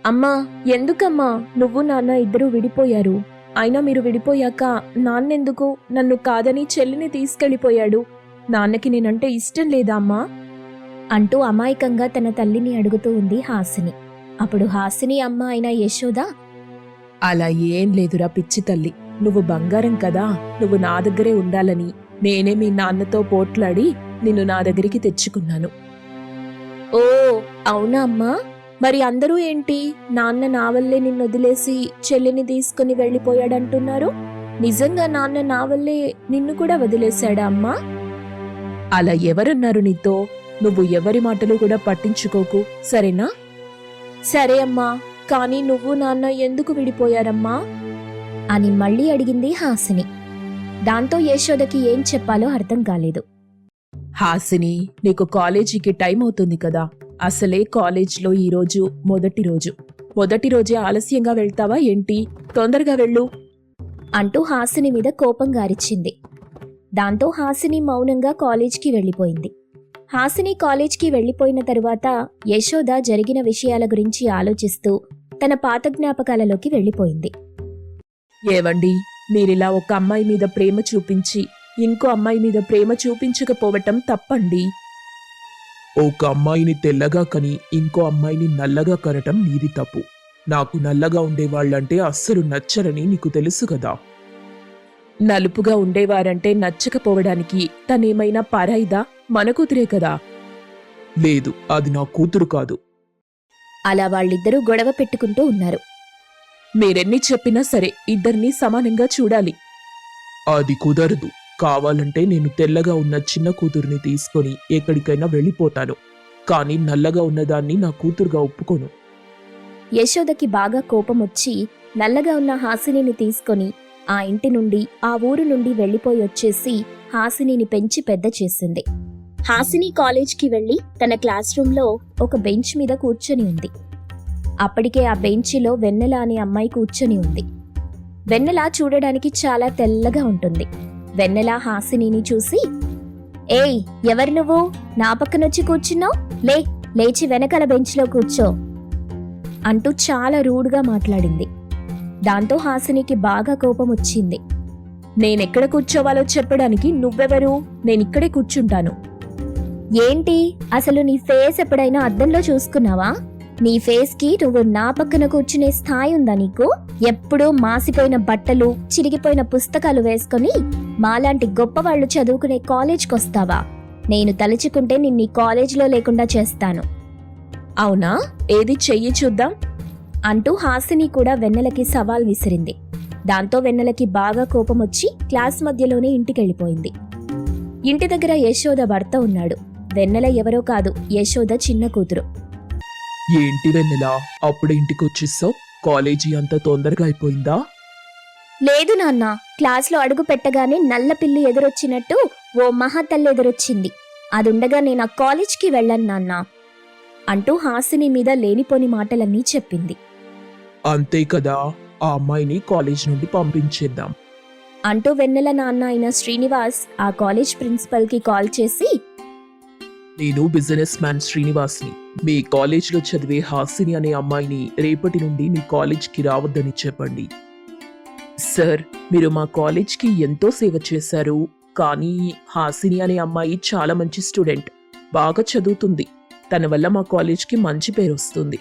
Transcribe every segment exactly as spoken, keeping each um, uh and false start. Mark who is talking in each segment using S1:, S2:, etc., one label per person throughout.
S1: అమ్మా, ఎందుకమ్మా నువ్వు నాన్న ఇద్దరూ విడిపోయారు? అయినా మీరు విడిపోయాక నాన్నెందుకు నన్ను కాదని చెల్లిని తీసుకెళ్ళిపోయాడు? నాన్నకి నేనంటే ఇష్టం లేదా అమ్మా?
S2: అంటూ అమాయకంగా తన తల్లిని అడుగుతూ ఉంది హాసిని. అప్పుడు హాసిని అమ్మ అయిన యశోద,
S1: అలా ఏం లేదురా పిచ్చి తల్లి, నువ్వు బంగారం కదా, నువ్వు నా దగ్గరే ఉండాలని నేనే మీ నాన్నతో పోట్లాడి నిన్ను నా దగ్గరికి తెచ్చుకున్నాను. ఓ అవునా అమ్మా? మరి అందరూ ఏంటి నాన్న నా వల్లే నిన్ను వదిలేసి చెల్లిని తీసుకుని వెళ్ళిపోయాడంటున్నారు? నిజంగా నాన్న నా వల్లే నిన్ను కూడా వదిలేశాడా అమ్మా? అలా ఎవరన్నారు నీతో? నువ్వు ఎవరి మాటలు కూడా పట్టించుకోకు, సరేనా? సరే అమ్మా, కానీ నువ్వు నాన్న ఎందుకు విడిపోయారమ్మా
S2: అని మళ్ళీ అడిగింది హాసిని. దాంతో యశోదకి ఏం చెప్పాలో అర్థం కాలేదు.
S1: హాసిని, నీకు కాలేజీకి టైం అవుతుంది కదా, అసలే కాలేజ్లో ఈరోజు మొదటి రోజు. మొదటి రోజే ఆలస్యంగా వెళ్తావా ఏంటి? తొందరగా వెళ్ళు
S2: అంటూ హాసిని మీద కోపంగా అరిచింది. దాంతో హాసిని మౌనంగా కాలేజ్కి వెళ్ళిపోయింది. హాసిని కాలేజ్కి వెళ్లిపోయిన తరువాత యశోద జరిగిన విషయాల గురించి ఆలోచిస్తూ తన పాత జ్ఞాపకాలలోకి వెళ్లిపోయింది.
S1: ఏవండి, మీరిలా ఒక అమ్మాయి మీద ప్రేమ చూపించి ఇంకో అమ్మాయి మీద ప్రేమ చూపించకపోవటం తప్పండి.
S3: ఒక అమ్మాయిని తెల్లగా కని ఇంకో అమ్మాయిని నల్లగా కనటం నీది తప్పు. నాకు నల్లగా ఉండేవాళ్లంటే అస్సలు నచ్చరని నీకు తెలుసు కదా.
S1: నలుపుగా ఉండేవారంటే నచ్చకపోవడానికి తనేమైనా పరాయిదా? మన కూతురే కదా.
S3: లేదు, అది నా కూతురు కాదు.
S2: అలా వాళ్ళిద్దరూ గొడవ పెట్టుకుంటూ ఉన్నారు.
S1: మీరెన్ని చెప్పినా సరే ఇద్దరినీ సమానంగా చూడాలి.
S3: అది కుదరదు. కావాలంటే నేను తెల్లగా ఉన్న చిన్న కూతుర్ని తీసుకొని ఎక్కడికైనా వెళ్ళిపోతాను, కానీ నల్లగా ఉన్నదాన్ని నా కూతురుగా ఒప్పుకోను.
S2: యశోదకి బాగా కోపం వచ్చి నల్లగా ఉన్న హాసినిని తీసుకొని ఆ ఇంటి నుండి ఆ ఊరు నుండి వెళ్లిపోయి వచ్చేసి హాసినిని పెంచి పెద్ద చేసింది. హాసిని కాలేజ్కి వెళ్లి తన క్లాస్ రూంలో ఒక బెంచ్ మీద కూర్చొని ఉంది. అప్పటికే ఆ బెంచిలో వెన్నెల అనే అమ్మాయి కూర్చొని ఉంది. వెన్నెల చూడడానికి చాలా తెల్లగా ఉంటుంది. వెన్నెల హాసినిని చూసి, ఏయ్, ఎవరు నువ్వు? నా పక్కనొచ్చి కూర్చున్నావు? లే లేచి వెనకాల బెంచ్లో కూర్చో అంటూ చాలా రూడ్గా మాట్లాడింది. దాంతో హాసినికి బాగా కోపం వచ్చింది.
S1: నేనెక్కడ కూర్చోవాలో చెప్పడానికి నువ్వెవరు? నేనిక్కడే కూర్చుంటాను.
S2: ఏంటి, అసలు నీ ఫేస్ ఎప్పుడైనా అద్దంలో చూసుకున్నావా? నీ ఫేస్కి నువ్వు నా పక్కన కూర్చునే స్థాయి ఉందా నీకు? ఎప్పుడూ మాసిపోయిన బట్టలు, చిరిగిపోయిన పుస్తకాలు వేసుకొని మాలాంటి గొప్పవాళ్లు చదువుకునే కాలేజ్కొస్తావా? నేను తలుచుకుంటే నిన్నీ కాలేజ్లో లేకుండా చేస్తాను.
S1: అవునా? ఏది చెయ్యి చూద్దాం
S2: అంటూ హాసిని కూడా వెన్నెలకి సవాల్ విసిరింది. దాంతో వెన్నెలకి బాగా కోపం వచ్చి క్లాస్ మధ్యలోనే ఇంటికెళ్ళిపోయింది. ఇంటి దగ్గర యశోద భర్త ఉన్నాడు. వెన్నెల ఎవరో కాదు, యశోద చిన్న కూతురు.
S3: ఏంటి వెన్నెలా, అప్పుడే ఇంటికి వచ్చేసావు? కాలేజీ అంత తొందరగా అయిపోయిందా?
S2: లేదు నాన్న, క్లాస్లో అడుగు పెట్టగానే నల్ల పిల్లి ఎదురొచ్చినట్టు ఓ మహాతల్లి ఎదురొచ్చింది. అదుండగా నేను ఆ కాలేజ్కి వెళ్ళను నాన్న అంటూ హాసిని మీద లేనిపోని మాటలన్నీ చెప్పింది.
S3: అంతే కదా, ఆ అమ్మాయిని కాలేజ్ నుండి పంపించేద్దాం
S2: అంటూ వెన్నెల నాన్న అయిన శ్రీనివాస్ ఆ కాలేజ్ ప్రిన్సిపల్కి కాల్ చేసి,
S3: నేను బిజినెస్ మ్యాన్ శ్రీనివాస్ని. మీ కాలేజ్లో చదివే హాసిని అనే అమ్మాయిని రేపటి నుండి మీ కాలేజ్కి రావద్దని చెప్పండి.
S1: సార్, మీరు మా కాలేజ్కి ఎంతో సేవ చేశారు, కానీ హాసిని అనే అమ్మాయి చాలా మంచి స్టూడెంట్, బాగా చదువుతుంది. తన వల్ల మా కాలేజ్కి మంచి పేరు వస్తుంది.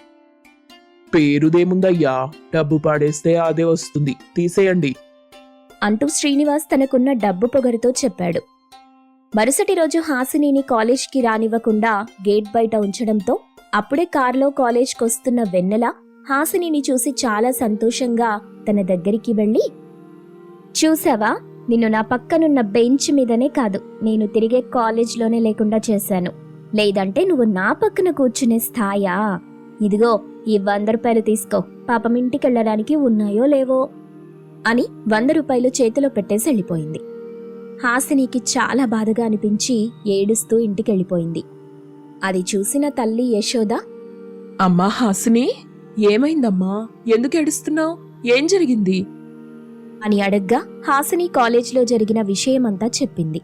S3: పేరుదేముందయ్యా, డబ్బు పాడేస్తే అదే వస్తుంది, తీసేయండి
S2: అంటూ శ్రీనివాస్ తనకున్న డబ్బు పొగరుతో చెప్పాడు. మరుసటి రోజు హాసినిని కాలేజ్కి రానివ్వకుండా గేట్ బయట ఉంచడంతో అప్పుడే కారులో కాలేజ్కొస్తున్న వెన్నెల హాసినిని చూసి చాలా సంతోషంగా తన దగ్గరికి వెళ్ళి, చూసావా, నిన్ను నా పక్కనున్న బెంచ్ మీదనే కాదు, నేను తిరిగే కాలేజ్లోనే లేకుండా చేశాను. లేదంటే నువ్వు నా పక్కన కూర్చునే స్థాయా? ఇదిగో ఈ వంద రూపాయలు తీసుకో, పాపం ఇంటికెళ్ళడానికి ఉన్నాయో లేవో అని వంద రూపాయలు చేతిలో పెట్టేసి వెళ్ళిపోయింది. హాసినికి చాలా బాధగా అనిపించి ఏడుస్తూ ఇంటికెళ్ళిపోయింది. అది చూసిన తల్లి యశోద,
S1: అమ్మా హాసిని, ఏమైందమ్మా? ఎందుకు ఏడుస్తున్నావు? ఏం జరిగింది
S2: అని అడగ్గా హాసిని కాలేజ్లో జరిగిన విషయమంతా చెప్పింది.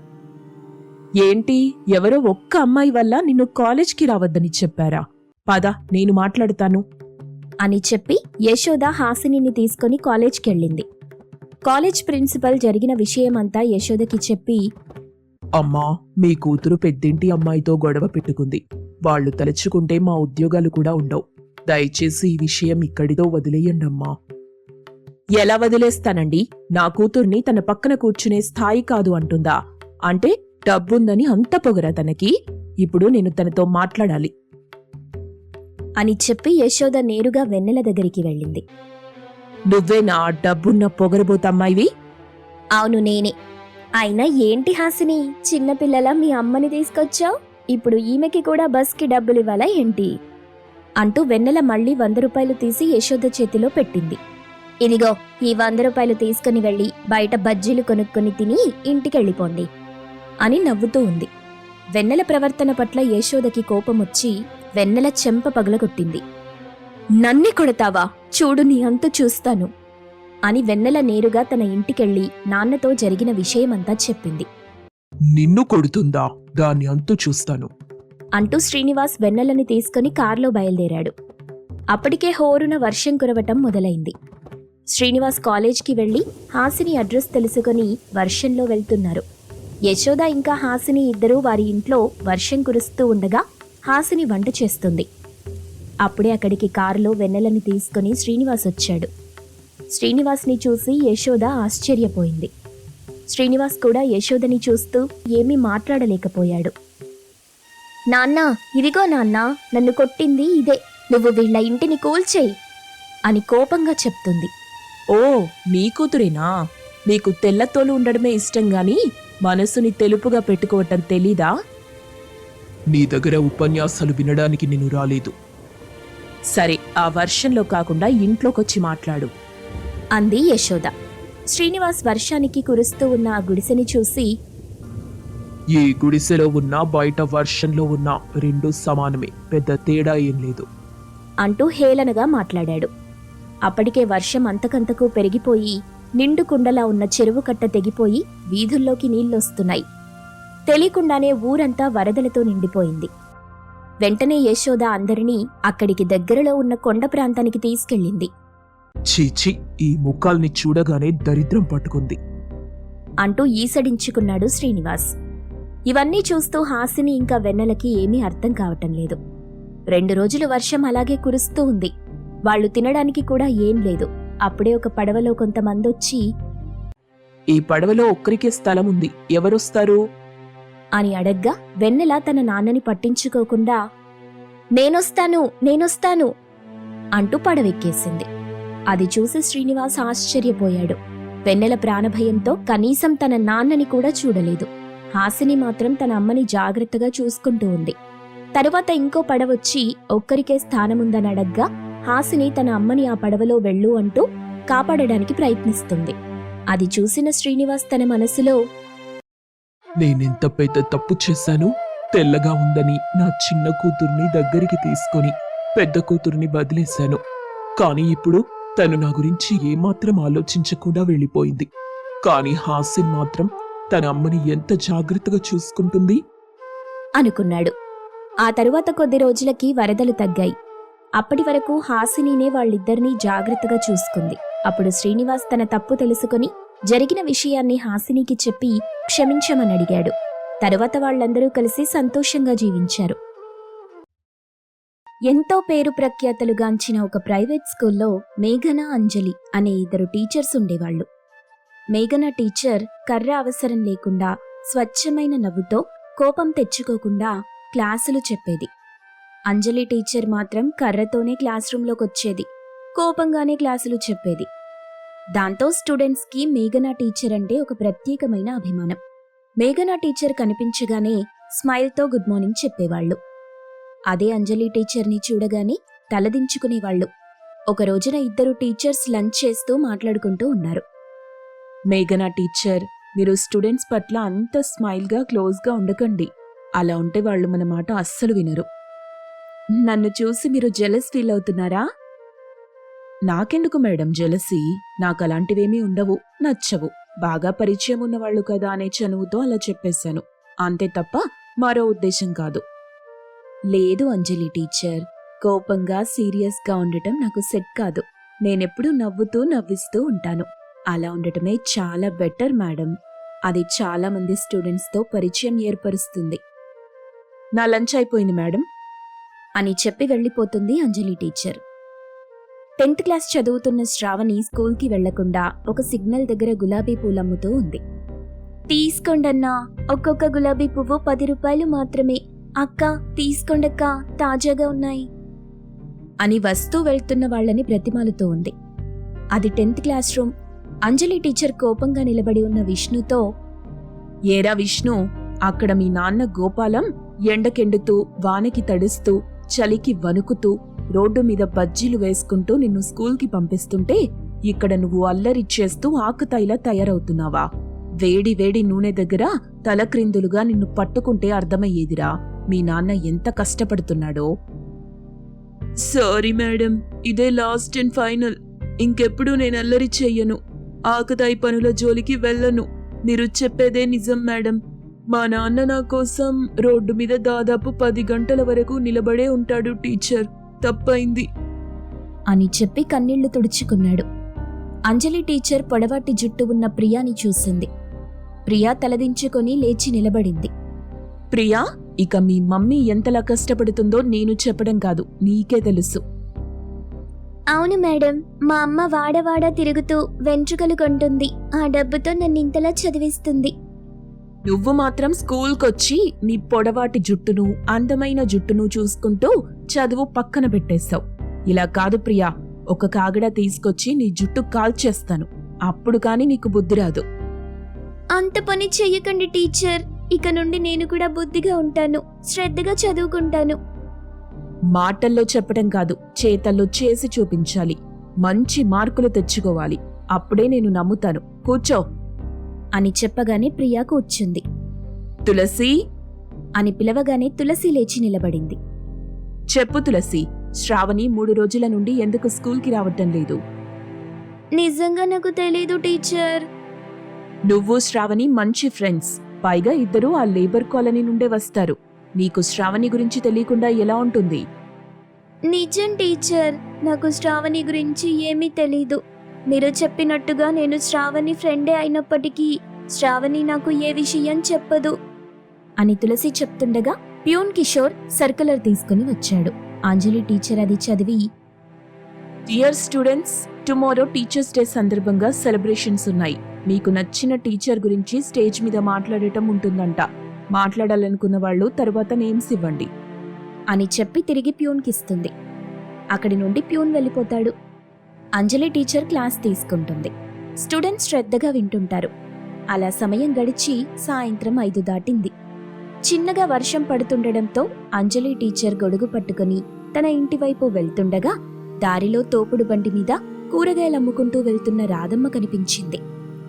S1: ఏంటి, ఎవరో ఒక్క అమ్మాయి వల్ల నిన్ను కాలేజ్కి రావద్దని చెప్పారా? పద, నేను మాట్లాడతాను
S2: అని చెప్పి యశోద హాసినిని తీసుకొని కాలేజ్కెళ్ళింది. కాలేజ్ ప్రిన్సిపల్ జరిగిన విషయమంతా యశోదకి చెప్పి,
S3: అమ్మా, మీ కూతురు పెద్దింటి అమ్మాయితో గొడవ పెట్టుకుంది. వాళ్ళు తలుచుకుంటే మా ఉద్యోగాలు కూడా ఉండవు. దయచేసి ఈ విషయం ఇక్కడితో వదిలేయండమ్మా.
S1: ఎలా వదిలేస్తానండి? నా కూతుర్ని తన పక్కన కూర్చునే స్థాయి కాదు అంటుందా? అంటే డబ్బుందని అంత పొగరా తనకి? ఇప్పుడు నేను తనతో మాట్లాడాలి
S2: అని చెప్పి యశోద నేరుగా వెన్నెల దగ్గరికి వెళ్ళింది.
S1: నువ్వే నా డబ్బున్న పొగరబోతమ్మాయివి?
S2: అవును నేనే. అయినా ఏంటి హాసిని, చిన్నపిల్లల మీ అమ్మని తీసుకొచ్చావు? ఇప్పుడు ఈమెకి కూడా బస్కి డబ్బులివ్వాలా ఏంటి? అంటూ వెన్నెల మళ్ళీ వంద రూపాయలు తీసి యశోద చేతిలో పెట్టింది. ఇదిగో, ఈ వంద రూపాయలు తీసుకుని వెళ్ళి బయట బజ్జీలు కొనుక్కొని తిని ఇంటికెళ్ళిపోండి అని నవ్వుతూ ఉంది. వెన్నెల ప్రవర్తన పట్ల యశోదకి కోపమొచ్చి వెన్నెల చెంప పగలగొట్టింది. నన్ని కొడతావా? చూడు నీ అంతు చూస్తాను అని వెన్నెల నేరుగా తన ఇంటికెళ్ళి నాన్నతో జరిగిన విషయమంతా చెప్పింది.
S3: నిన్ను కొడుతుందా? దాన్ని అంతు చూస్తాను
S2: అంటూ శ్రీనివాస్ వెన్నెలని తీసుకుని కార్లో బయలుదేరాడు. అప్పటికే హోరున వర్షం కురవటం మొదలైంది. శ్రీనివాస్ కాలేజ్కి వెళ్లి హాసిని అడ్రస్ తెలుసుకుని వర్షంలో వెళ్తున్నారు. యశోద ఇంకా హాసిని ఇద్దరూ వారి ఇంట్లో వర్షం కురుస్తూ ఉండగా హాసిని వంట చేస్తుంది. అప్పుడే అక్కడికి కారులో వెన్నెలని తీసుకుని శ్రీనివాస్ వచ్చాడు. శ్రీనివాస్ని చూసి యశోద ఆశ్చర్యపోయింది. శ్రీనివాస్ కూడా యశోదని చూస్తూ ఏమీ మాట్లాడలేకపోయాడు. నాన్నా, ఇదిగో నాన్నా, నన్ను కొట్టింది ఇదే. నువ్వు వీళ్ళ ఇంటిని కూల్చేయి అని కోపంగా చెప్తుంది.
S1: ఓ, నీ కూతురేనా? నీకు తెల్లతోలు ఉండడమే ఇష్టం గాని మనసుని తెలుపుగా పెట్టుకోవటం తెలీదా?
S3: నీ దగ్గర ఉపన్యాసాలు వినడానికి నేను రాలేదు.
S1: సరే, ఆ వర్షంలో కాకుండా ఇంట్లోకొచ్చి మాట్లాడు
S2: అంది యశోద. శ్రీనివాస్ వర్షానికి కురుస్తూ ఉన్న ఆ గుడిసెని చూసి,
S3: ఈ గుడిసెలో ఉన్నా బయట వర్షంలో ఉన్నా రెండు సమానమే, పెద్ద తేడా ఏం లేదు
S2: అంటూ హేళనగా మాట్లాడాడు. అప్పటికే వర్షం అంతకంతకు పెరిగిపోయి నిండు కుండలా ఉన్న చెరువు కట్ట తెగిపోయి వీధుల్లోకి నీళ్లొస్తున్నాయి. తెలియకుండానే ఊరంతా వరదలతో నిండిపోయింది. వెంటనే యశోద అందరినీ అక్కడికి దగ్గరలో ఉన్న కొండ ప్రాంతానికి తీసుకెళ్ళింది.
S3: చీచి, ఈ ముఖాల్ని చూడగానే దరిద్రం పట్టుకుంది
S2: అంటూ ఈసడించుకున్నాడు శ్రీనివాస్. ఇవన్నీ చూస్తూ హాసిని ఇంకా వెన్నెలకి ఏమీ అర్థం కావటం లేదు. రెండు రోజులు వర్షం అలాగే కురుస్తూ ఉంది. వాళ్లు తినడానికి కూడా ఏం లేదు. అప్పుడే ఒక పడవలో కొంతమందొచ్చి,
S1: ఈ పడవలో ఒక్కరికే స్థలం ఉంది, ఎవరొస్తారు
S2: అని అడగ్గా వెన్నెల తన నాన్నని పట్టించుకోకుండా, నేనొస్తాను నేనొస్తాను అంటూ పడవెక్కేసింది. అది చూసి శ్రీనివాస్ ఆశ్చర్యపోయాడు. వెన్నెల ప్రాణభయంతో కనీసం తన నాన్నని కూడా చూడలేదు. హాసిని మాత్రం తన అమ్మని జాగ్రత్తగా చూసుకుంటూ ఉంది. తరువాత ఇంకో పడవొచ్చి ఒక్కరికే స్థానముందని అడగ్గా హాసిని తన అమ్మని ఆ పడవలో వెళ్ళు అంటూ కాపాడడానికి ప్రయత్నిస్తుంది. అది చూసిన శ్రీనివాస్ తన మనసులో,
S3: నేనెంత పెద్ద తప్పు చేశాను. తెల్లగా ఉందని నా చిన్న కూతుర్ని దగ్గరికి తీసుకొని పెద్ద కూతుర్ని వదిలేశాను. కానీ ఇప్పుడు తను నా గురించి ఏమాత్రం ఆలోచించకుండా వెళ్ళిపోయింది. కానీ హాసిన్ మాత్రం తన అమ్మని ఎంత జాగ్రత్తగా చూసుకుంటుంది
S2: అనుకున్నాడు. ఆ తరువాత కొద్ది రోజులకి వరదలు తగ్గాయి. అప్పటి వరకు హాసినీనే వాళ్ళిద్దరినీ జాగ్రత్తగా చూసుకుంది. అప్పుడు శ్రీనివాస్ తన తప్పు తెలుసుకుని జరిగిన విషయాన్ని హాసినికి చెప్పి క్షమించమని అడిగాడు. తరువాత వాళ్లందరూ కలిసి సంతోషంగా జీవించారు. ఎంతో పేరు ప్రఖ్యాతలుగాంచిన ఒక ప్రైవేట్ స్కూల్లో మేఘన, అంజలి అనే ఇద్దరు టీచర్స్ ఉండేవాళ్లు. మేఘన టీచర్ కర్ర అవసరం లేకుండా స్వచ్ఛమైన నవ్వుతో కోపం తెచ్చుకోకుండా క్లాసులు చెప్పేది. అంజలి టీచర్ మాత్రం కర్రతోనే క్లాస్ రూంలోకొచ్చేది, కోపంగానే క్లాసులు చెప్పేది. దాంతో స్టూడెంట్స్కి మేఘనా టీచర్ అంటే ఒక ప్రత్యేకమైన అభిమానం. మేఘనా టీచర్ కనిపించగానే స్మైల్తో గుడ్ మార్నింగ్ చెప్పేవాళ్లు. అదే అంజలి టీచర్ని చూడగానే తలదించుకునేవాళ్లు. ఒక రోజున ఇద్దరు టీచర్స్ లంచ్ చేస్తూ మాట్లాడుకుంటూ ఉన్నారు.
S1: మేఘనా టీచర్, మీరు స్టూడెంట్స్ పట్ల అంత స్మైల్గా క్లోజ్గా ఉండకండి. అలా ఉంటే వాళ్ళు మన మాట అస్సలు వినరు. నన్ను చూసి మీరు జెలస్ ఫీల్ అవుతున్నారా? నాకెందుకు మేడం జెలసీ? నాకు అలాంటివేమీ ఉండవు, నచ్చవు. బాగా పరిచయం ఉన్నవాళ్లు కదా అనే చనువుతో అలా చెప్పేశాను, అంతే తప్ప మరో ఉద్దేశం కాదు.
S2: లేదు అంజలి టీచర్,
S1: కోపంగా సీరియస్గా ఉండటం నాకు సెట్ కాదు. నేనెప్పుడూ నవ్వుతూ నవ్విస్తూ ఉంటాను. అలా ఉండటమే చాలా బెటర్ మేడం. అది చాలా మంది స్టూడెంట్స్తో పరిచయం ఏర్పరుస్తుంది. నా లంచ్ అయిపోయింది మేడం
S2: అని చెప్పి వెళ్ళిపోతుంది అంజలి టీచర్. టెన్త్ క్లాస్ చదువుతున్న శ్రావణి స్కూల్కి వెళ్లకుండా ఒక సిగ్నల్ దగ్గర గులాబీ పూలమ్ముతూ ఉంది. తీసుకోండన్నా, ఒక్కొక్క గులాబీ పువ్వు పది రూపాయలు మాత్రమే. అక్క తీసుకోండక్క, తాజాగా ఉన్నాయి అని వస్తూ వెళ్తున్న వాళ్ళని బ్రతిమాలుతూ ఉంది. అది tenth class room. Anjali teacher కోపంగా నిలబడి ఉన్న విష్ణుతో,
S1: ఏరా విష్ణు, అక్కడ మీ నాన్న గోపాలం ఎండకెండుతూ వానకి తడుస్తూ చలికి వణుకుతూ రోడ్డు మీద బజ్జీలు వేసుకుంటూ నిన్ను స్కూల్కి పంపిస్తుంటే ఇక్కడ నువ్వు అల్లరిచ్చేస్తూ ఆకుతాయిలా తయారవుతున్నావా? వేడి వేడి నూనె దగ్గర తలక్రిందులుగా నిన్ను పట్టుకుంటే అర్థమయ్యేదిరా మీ నాన్న ఎంత కష్టపడుతున్నాడో. సారీ మేడం, ఇదే లాస్ట్ అండ్ ఫైనల్. ఇంకెప్పుడు నేను అల్లరి చెయ్యను. ఆకుతాయి పనుల జోలికి వెళ్ళను. మీరు చెప్పేదే నిజం మేడం. మా నాన్న నా కోసం రోడ్డు మీద దాదాపు పది గంటల వరకు నిలబడే ఉంటాడు టీచర్. తప్పైంది
S2: అని చెప్పి కన్నీళ్లు తుడుచుకున్నాడు. అంజలి టీచర్ పొడవాటి జుట్టు ఉన్న ప్రియాని చూసింది. ప్రియా తలదించుకొని లేచి నిలబడింది.
S1: ప్రియా, ఇక మీ మమ్మీ ఎంతలా కష్టపడుతుందో నేను చెప్పడం కాదు, నీకే తెలుసు.
S2: అవును మేడం, మా అమ్మ వాడవాడ తిరుగుతూ వెంట్రుకలు కొంటుంది. ఆ డబ్బుతో నన్ను ఇంతలా చదివిస్తుంది.
S1: నువ్వు మాత్రం స్కూల్కొచ్చి నీ పొడవాటి జుట్టును అందమైన జుట్టును చూసుకుంటూ చదువు పక్కన పెట్టేశావు. ఇలా కాదు ప్రియా, ఒక కాగడ తీసుకొచ్చి నీ జుట్టు కాల్చేస్తాను. అప్పుడు కాని నీకు బుద్ధి రాదు.
S2: అంత పని చెయ్యకండి టీచర్. ఇక నుండి నేను కూడా బుద్ధిగా ఉంటాను, శ్రద్ధగా చదువుకుంటాను.
S1: మాటల్లో చెప్పడం కాదు, చేతల్లో చేసి చూపించాలి. మంచి మార్కులు తెచ్చుకోవాలి. అప్పుడే నేను నమ్ముతాను. కూర్చో
S2: అని చెప్పగానే ప్రియా కూర్చుంది.
S1: తులసి
S2: అని పిలవగానే తులసి లేచి నిలబడింది.
S1: చెప్పు తులసి, శ్రావణి మూడు రోజుల నుండి ఎందుకు స్కూల్కి రావటం లేదు?
S2: నిజంగా నాకు తెలీదు టీచర్.
S1: నువ్వు శ్రావణి మంచి ఫ్రెండ్స్. పైగా ఇద్దరూ ఆ లేబర్ కాలనీ నుండే వస్తారు. నీకు శ్రావణి గురించి తెలియకుండా ఎలా ఉంటుంది?
S2: నిజం టీచర్, నాకు శ్రావణి గురించి ఏమీ తెలీదు. మీరు చెప్పినట్టుగా నేను శ్రావణి ఫ్రెండే అయినప్పటికీ శ్రావణి నాకు ఏ విషయం చెప్పదు అని తులసి చెప్తుండగా ప్యూన్ కిషోర్ సర్కులర్ తీసుకుని వచ్చాడు. అంజలి టీచర్ అది చదివి,
S1: dear students, tomorrow teachers day సందర్భంగా సెలబ్రేషన్స్ ఉన్నాయి. మీకు నచ్చిన టీచర్ గురించి స్టేజ్ మీద మాట్లాడటం ఉంటుందంట. మాట్లాడాలనుకున్న వాళ్ళు తర్వాత నేమ్స్ ఇవ్వండి
S2: అని చెప్పి తిరిగి ప్యూన్కిస్తుంది. అక్కడి నుండి ప్యూన్ వెళ్ళిపోతాడు. అంజలి టీచర్ క్లాస్ తీసుకుంటుంది. స్టూడెంట్స్ శ్రద్ధగా వింటుంటారు. అలా సమయం గడిచి సాయంత్రం ఐదు దాటింది. చిన్నగా వర్షం పడుతుండడంతో అంజలి టీచర్ గొడుగు పట్టుకుని తన ఇంటివైపు వెళ్తుండగా దారిలో తోపుడు బండి మీద కూరగాయలు అమ్ముకుంటూ వెళ్తున్న రాధమ్మ కనిపించింది.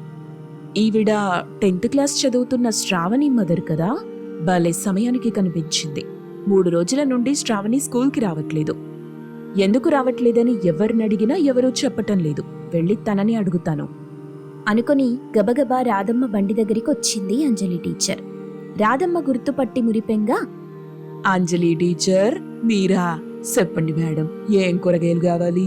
S1: ఈవిడ టెన్త్ క్లాస్ చదువుతున్న శ్రావణి మదర్ కదా? భలే సమయానికి కనిపించింది. మూడు రోజుల నుండి శ్రావణి స్కూల్కి రావట్లేదు. ఎందుకు రావట్లేదని ఎవరినడిగినా ఎవరూ చెప్పటం లేదు. వెళ్ళి తనని అడుగుతాను
S2: అనుకుని గబగబా రాధమ్మ బండి దగ్గరికి వచ్చింది అంజలి టీచర్. రాధమ్మ గుర్తుపట్టి మురిపెంగా,
S1: అంజలి టీచర్ మీరా? చెప్పండి మేడం, ఏం కూరగాయలు కావాలి?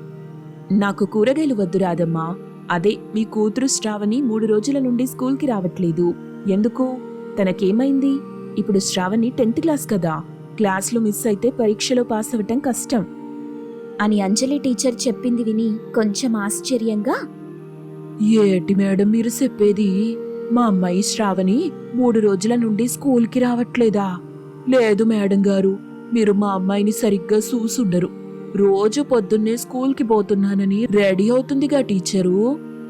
S1: నాకు కూరగాయలు వద్దు రాధమ్మ. అదే మీ కూతురు శ్రావణి మూడు రోజుల నుండి స్కూల్కి రావట్లేదు. ఎందుకు? తనకేమైంది? ఇప్పుడు శ్రావణి టెన్త్ క్లాస్ కదా, క్లాస్లో మిస్ అయితే పరీక్షలో పాస్ అవ్వటం కష్టం
S2: అని అంజలి టీచర్ చెప్పింది విని కొంచెం ఆశ్చర్యంగా,
S1: ఏటి మేడం మీరు చెప్పేది? మా అమ్మాయి శ్రావణి మూడు రోజుల నుండి స్కూల్కి రావట్లేదా? లేదు మేడం గారు, మీరు మా అమ్మాయిని సరిగ్గా చూసుండరు. రోజు పొద్దున్నే స్కూల్కి పోతున్నానని రెడీ అవుతుందిగా టీచరు.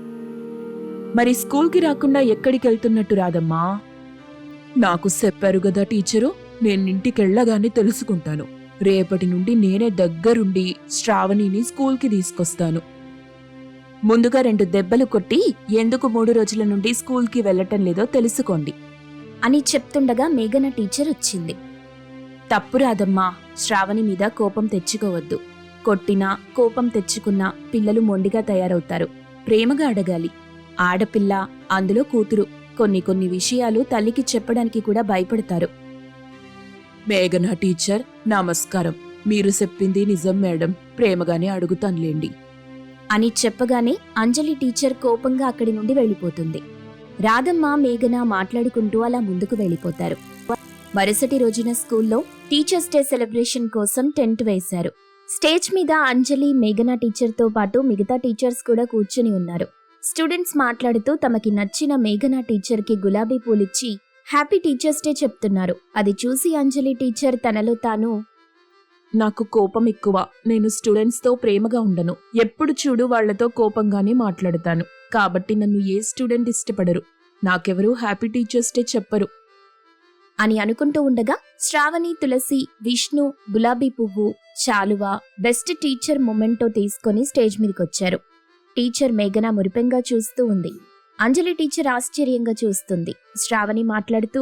S1: మరి స్కూల్కి రాకుండా ఎక్కడికి వెళ్తున్నట్టు రాదమ్మా? నాకు చెప్పారు కదా టీచరు, నేనింటికెళ్ళగానే తెలుసుకుంటాను. రేపటి నుండి నేనే దగ్గరుండి శ్రావణిని స్కూల్కి తీసుకొస్తాను. ముందుగా రెండు దెబ్బలు కొట్టి ఎందుకు మూడు రోజుల నుండి స్కూల్కి వెళ్లటం లేదో తెలుసుకోండి
S2: అని చెప్తుండగా మేఘన టీచర్ వచ్చింది.
S1: తప్పు రాదమ్మా, శ్రావణి మీద కోపం తెచ్చుకోవద్దు. కొట్టినా కోపం తెచ్చుకున్నా పిల్లలు మొండిగా తయారవుతారు. ప్రేమగా అడగాలి. ఆడపిల్ల, అందులో కూతురు, కొన్ని కొన్ని విషయాలు తల్లికి చెప్పడానికి కూడా భయపడతారు. మేఘనా టీచర్ నమస్కారం. మీరు చెప్పింది నిజం మేడం, ప్రేమగానే అడుగుతానులేండి.
S2: అని చెప్పగానే అంజలి టీచర్ కోపంగా అక్కడి నుండి వెళ్ళిపోతుంది. రాధమ్మ మేఘన మాట్లాడుకుంటూ అలా ముందుకు వెళ్ళిపోతారు. మరుసటి రోజున స్కూల్లో టీచర్స్ డే సెలబ్రేషన్ కోసం టెంట్ వేశారు. స్టేజ్ మీద అంజలి మేఘన టీచర్తో పాటు మిగతా టీచర్స్ కూడా కూర్చుని ఉన్నారు. స్టూడెంట్స్ మాట్లాడుతూ తమకి నచ్చిన మేఘన టీచర్కి గులాబీ పూలిచ్చి హ్యాపీ టీచర్స్ డే చెప్తున్నారు. అది చూసి అంజలి టీచర్ తనలో తాను,
S1: నాకు కోపం ఎక్కువ. నేను స్టూడెంట్స్తో ప్రేమగా ఉండను. ఎప్పుడు చూడు వాళ్లతో కోపంగానే మాట్లాడతాను. కాబట్టి నన్ను ఏ స్టూడెంట్ ఇష్టపడరు. నాకెవరూ హ్యాపీ టీచర్స్ డే చెప్పరు
S2: అని అనుకుంటూ ఉండగా శ్రావణి, తులసి, విష్ణు గులాబీ పువ్వు, శాలువ, బెస్ట్ టీచర్ మొమెంటో తీసుకొని స్టేజ్ మీదకొచ్చారు. టీచర్ మేఘన మురిపెంగా చూస్తూ ఉంది. అంజలి టీచర్ ఆశ్చర్యంగా చూస్తుంది. శ్రావణి మాట్లాడుతూ,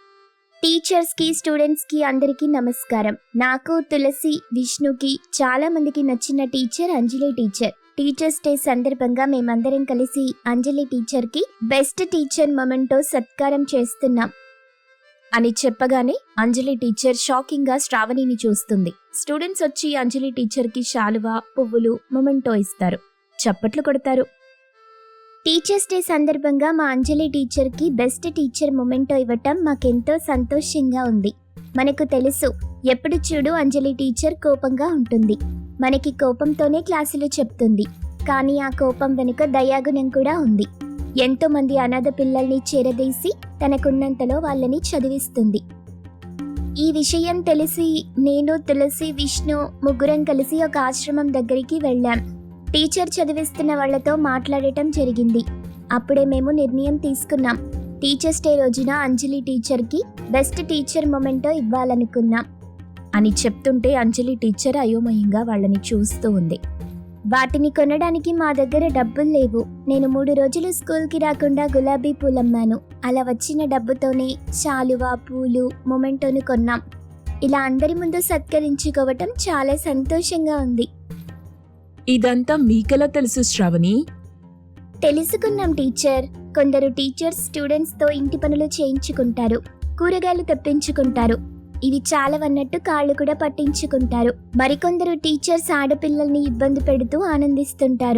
S2: టీచర్స్ కి స్టూడెంట్స్ కి అందరికీ నమస్కారం. నాకు, తులసి, విష్ణుకి చాలా మందికి నచ్చిన teacher Anjali teacher. Teachers day సందర్భంగా మేమందరం కలిసి అంజలి టీచర్ కి బెస్ట్ టీచర్ మొమెంటో సత్కారం చేస్తున్నాం అని చెప్పగానే అంజలి టీచర్ షాకింగ్ గా శ్రావణిని చూస్తుంది. స్టూడెంట్స్ వచ్చి అంజలి టీచర్ కి శాలువ, పువ్వులు, మొమెంటో ఇస్తారు. చప్పట్లు కొడతారు. టీచర్స్ డే సందర్భంగా మా అంజలి టీచర్ కి బెస్ట్ టీచర్ మొమెంటో ఇవ్వటం మాకెంతో సంతోషంగా ఉంది. మనకు తెలుసు, ఎప్పుడు చూడు అంజలి టీచర్ కోపంగా ఉంటుంది. మనకి కోపంతోనే క్లాసులు చెప్తుంది. కానీ ఆ కోపం వెనుక దయాగుణం కూడా ఉంది. ఎంతో మంది అనాథ పిల్లల్ని చేరదీసి తనకున్నంతలో వాళ్ళని చదివిస్తుంది. ఈ విషయం తెలిసి నేను, తులసి, విష్ణు ముగ్గురం కలిసి ఒక ఆశ్రమం దగ్గరికి వెళ్ళాం. టీచర్ చదివిస్తున్న వాళ్లతో మాట్లాడటం జరిగింది. అప్పుడే మేము నిర్ణయం తీసుకున్నాం. టీచర్స్ డే రోజున అంజలి టీచర్కి బెస్ట్ టీచర్ మొమెంటో ఇవ్వాలనుకున్నాం అని చెప్తుంటే అంజలి టీచర్ అయోమయంగా వాళ్ళని చూస్తూ ఉంది. వాటిని కొనడానికి మా దగ్గర డబ్బులు లేవు. నేను మూడు రోజులు స్కూల్కి రాకుండా గులాబీ పూలమ్మాను. అలా వచ్చిన డబ్బుతోనే శాలువా, పూలు, మొమెంటోను కొన్నాం. ఇలా అందరి ముందు సత్కరించుకోవటం చాలా సంతోషంగా ఉంది.
S1: ఇదంతా మీకెలా తెలుసు శ్రావణి?
S2: తెలుసుకున్నాం టీచర్. కొందరు టీచర్స్ స్టూడెంట్స్తో ఇంటి పనులు చేయించుకుంటారు, కూరగాయలు తెప్పించుకుంటారు. ఇవి చాలవన్నట్టు కాళ్ళు కూడా పట్టించుకుంటారు. మరికొందరు టీచర్స్ ఆడపిల్లల్ని ఇబ్బంది పెడుతూ ఆనందిస్తుంటారు.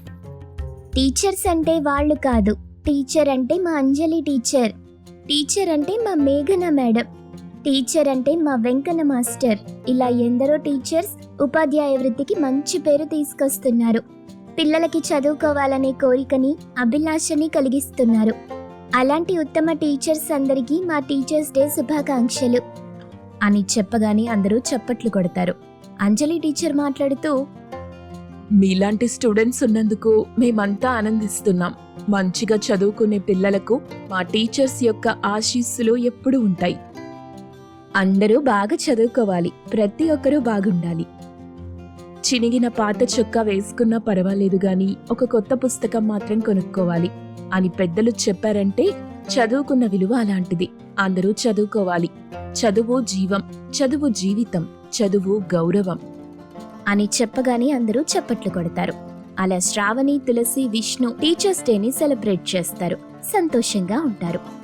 S2: టీచర్స్ అంటే వాళ్ళు కాదు. టీచర్ అంటే మా అంజలి టీచర్. టీచర్ అంటే మా మేఘన మేడం. టీచర్ అంటే మా వెంకన్న మాస్టర్. ఇలా ఎందరో టీచర్స్ ఉపాధ్యాయ వృత్తికి మంచి పేరు తీసుకొస్తున్నారు. పిల్లలకి చదువుకోవాలనే కోరికని, అభిలాషని కలిగిస్తున్నారు. అలాంటి ఉత్తమ టీచర్స్ అందరికీ మా టీచర్స్ డే శుభాకాంక్షలు అని చెప్పగానే అందరూ చప్పట్లు కొడతారు. అంజలి టీచర్ మాట్లాడుతూ,
S1: మీలాంటి స్టూడెంట్స్ ఉన్నందుకు మేమంతా ఆనందిస్తున్నాం. మంచిగా చదువుకునే పిల్లలకు మా టీచర్స్ యొక్క ఆశీస్సులు ఎప్పుడూ ఉంటాయి. అందరూ బాగా చదువుకోవాలి. ప్రతి ఒక్కరూ బాగుండాలి. చినిగిన పాత చొక్కా వేసుకున్నా పర్వాలేదు గాని ఒక కొత్త పుస్తకం మాత్రం కొనుక్కోవాలి అని పెద్దలు చెప్పారంటే చదువుకున్న విలువ అలాంటిది. అందరూ చదువుకోవాలి. చదువు జీవం, చదువు జీవితం, చదువు గౌరవం అని చెప్పగానే అందరూ చప్పట్లు కొడతారు. అలా శ్రావణి, తులసి, విష్ణు టీచర్స్ డేని సెలబ్రేట్ చేస్తారు. సంతోషంగా ఉంటారు.